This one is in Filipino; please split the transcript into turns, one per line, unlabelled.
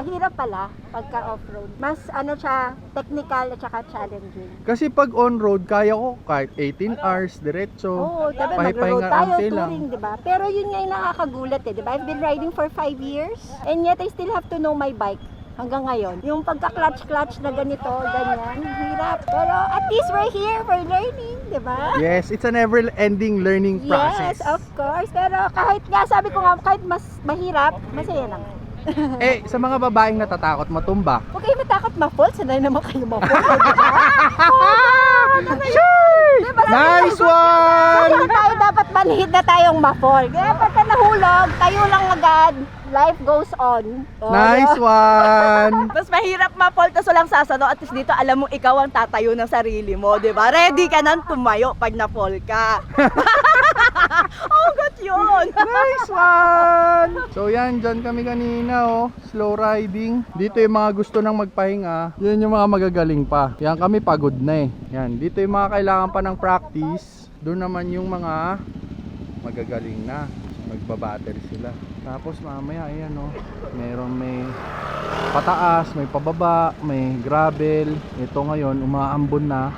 mahirap pala pagka off-road. Mas ano siya, technical at saka challenging.
Kasi pag on-road, kaya ko kahit 18 hours, diretso.
Oo, diba,
Pahipahinga
mag-road tayo,
ante lang.
touring, diba? Pero yun nga yung nakakagulat eh, diba? I've been riding for 5 years and yet I still have to know my bike. Hanggang ngayon, yung pagka-clutch-clutch na ganito, ganyan, hirap. Pero at least we're here, we're learning, diba?
Yes, it's a never-ending learning process.
Yes, of course. Pero kahit nga, sabi ko nga, kahit mas mahirap, masaya naman.
Eh, sa mga babaeng natatakot matumba.
Huwag kayo matakot ma-fall, sanay naman kayo ma-fall. Diba?
Nice
So,
one!
kaya tayo dapat manhid na tayong ma-fall. Kaya pagka nahulog, tayo lang agad. Life goes on. Oh,
Nice
diba?
one!
Mas mahirap ma-fall tas walang sasano, at least dito alam mo ikaw ang tatayo ng sarili mo, di ba? Ready ka nang tumayo pag na-fall ka. Oh, got yun!
Nice one! So yan, dyan kami kanina oh. Slow riding. Dito yung mga gusto nang magpahinga. Yan yung mga magagaling pa. Yan kami pagod na eh. Yan, dito yung mga kailangan pa ng practice. Doon naman yung mga magagaling na. Magbabattery sila. Tapos mamaya ayan oh. May pataas, may pababa, may gravel. Ito ngayon umaambon na.